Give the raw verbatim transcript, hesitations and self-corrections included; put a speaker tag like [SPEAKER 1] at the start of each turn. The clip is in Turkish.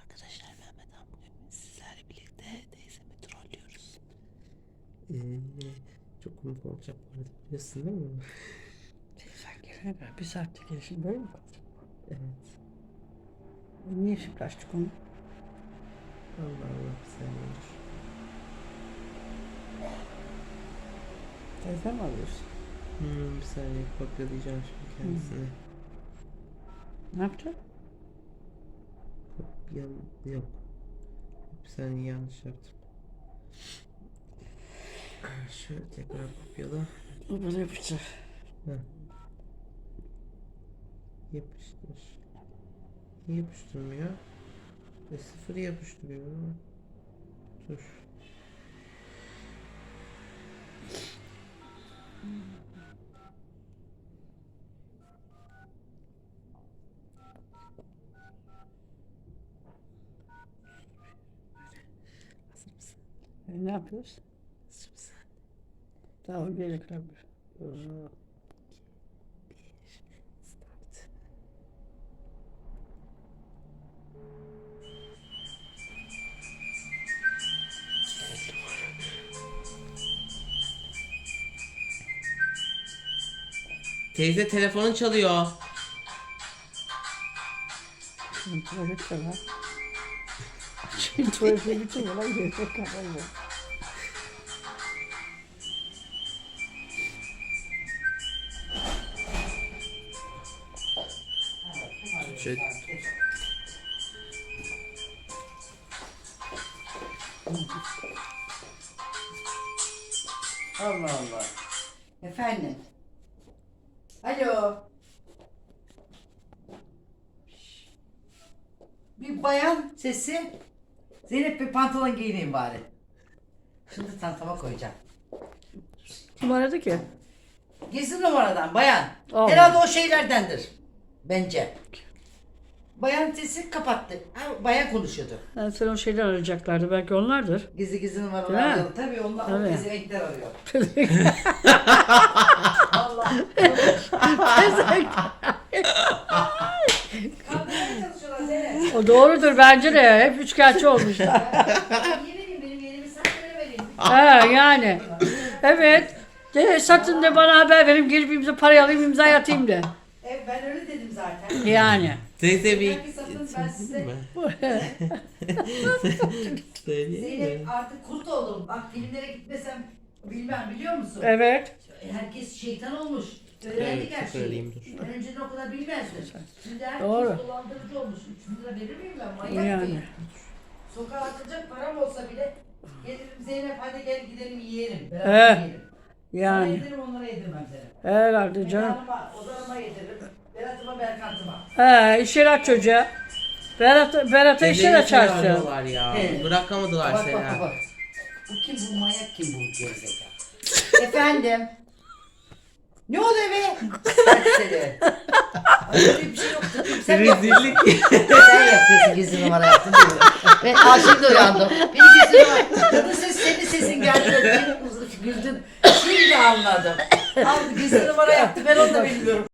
[SPEAKER 1] Arkadaşlar Mehmet Han bugün sizlerle birlikte teyzemi trollüyoruz.
[SPEAKER 2] Ee, çok komik olacak bu arada, biliyorsun değil mi?
[SPEAKER 1] Teyzen gelene kadar bir saatte gelişim böyle mi kalacak?
[SPEAKER 2] Evet.
[SPEAKER 1] Niye şimdi açtık onu?
[SPEAKER 2] Allah Allah, bir saniye dur.
[SPEAKER 1] Teyzen mi alıyorsun?
[SPEAKER 2] Hmm, bir saniye kopyalayacağım şimdi kendisini.
[SPEAKER 1] Hmm. Ne yapacaksın?
[SPEAKER 2] Kopyam yok. Bir saniye, yanlış yaptım. Şöyle tekrar kopyala.
[SPEAKER 1] O böyle yapacak.
[SPEAKER 2] Heh. Yapıştır. Niye yapıştırmıyor? E, sıfırı yapıştırıyor ama. Dur. Hazır mısın?
[SPEAKER 1] E, ne yapıyoruz?
[SPEAKER 2] Hazır mısın?
[SPEAKER 1] Daha o bir ekran bir.
[SPEAKER 2] Start. Teyze, telefonun çalıyor.
[SPEAKER 1] Şimdi tuvalet de var. Şimdi tuvalete bütün yola gelecek kafayla.
[SPEAKER 2] Şöyle.
[SPEAKER 3] Allah Allah. Efendim. Alo. Bir bayan sesi. Zeynep, bir pantolon giyineyim bari. Şunu da çantama koyacağım.
[SPEAKER 1] Kim aradı ki?
[SPEAKER 3] Gizli numaradan bayan.
[SPEAKER 1] Allah.
[SPEAKER 3] Herhalde o şeylerdendir. Bence. Bayan sesi kapattı. Ha, bayan konuşuyordu.
[SPEAKER 1] Yani sen o şeyler arayacaklardı. Belki onlardır.
[SPEAKER 3] Gizli gizli numaralar
[SPEAKER 1] Değil mi?
[SPEAKER 3] arıyor. Tabii onlar o
[SPEAKER 1] Tabii.
[SPEAKER 3] gizli renkler arıyor. Allah. Kandırmaya çalışıyorlar Zeynep.
[SPEAKER 1] O doğrudur bence de. Hep üçkağıtçı olmuşlar.
[SPEAKER 3] Yeni benim yerimi sen vereyim.
[SPEAKER 1] Ha yani. Evet. De, satın de bana haber verin. Girip imza parayı alayım, imza atayım de.
[SPEAKER 3] Evet, ben öyle dedim zaten.
[SPEAKER 1] Yani.
[SPEAKER 2] Teyze bir
[SPEAKER 3] Belki satın, ben size-
[SPEAKER 2] mi? Söyleyeyim mi?
[SPEAKER 3] Zeynep, artık kurt oldum. Bak, filmlere gitmesem bilmem, biliyor musun?
[SPEAKER 1] Evet.
[SPEAKER 3] Herkes şeytan olmuş. Öğrendik
[SPEAKER 2] Evet,
[SPEAKER 3] her şeyi.
[SPEAKER 2] söyleyeyim, dur.
[SPEAKER 3] Ben önceden o kadar bilmezdim. Şimdi herkes
[SPEAKER 1] Doğru.
[SPEAKER 3] dolandırıcı olmuş. üç bin lira verir miyim ben? Manyak
[SPEAKER 1] Yani.
[SPEAKER 3] mıyım? Sokağa atacak param olsa bile gelirim, Zeynep hadi gel gidelim yiyelim. Beraber
[SPEAKER 1] He.
[SPEAKER 3] yiyelim. Sana
[SPEAKER 1] Yani.
[SPEAKER 3] yedirim, onlara yedirmem Zeynep.
[SPEAKER 1] Herhalde canım.
[SPEAKER 3] Mekanıma, odanıma yediririm. Berat'ıma, Berkant'ıma.
[SPEAKER 1] He, iş yeri aç çocuğa. Berat, Berat'a iş yeri
[SPEAKER 2] Teyzeyi
[SPEAKER 1] açarsın.
[SPEAKER 2] arıyorlar ya.
[SPEAKER 3] Evet.
[SPEAKER 2] Bırakamadılar
[SPEAKER 3] Bak
[SPEAKER 2] seni.
[SPEAKER 3] bak bak, bak. Bu kim, bu manyak kim, bu gerizekalı? Efendim? Ne oluyor be? Serseri. Ay, öyle bir şey yoktu. Sen mi yapıyorsun?
[SPEAKER 2] Rezillik.
[SPEAKER 3] Sen yapıyorsun, gizli numara yaptın değil mi? Ben aa, şimdi uyandım. Beni gizli numara. Kadın ses, senin sesin geldi. Benim güldün. Şimdi anladım. Al, gizli numara yaptı. Ben onu da bilmiyorum.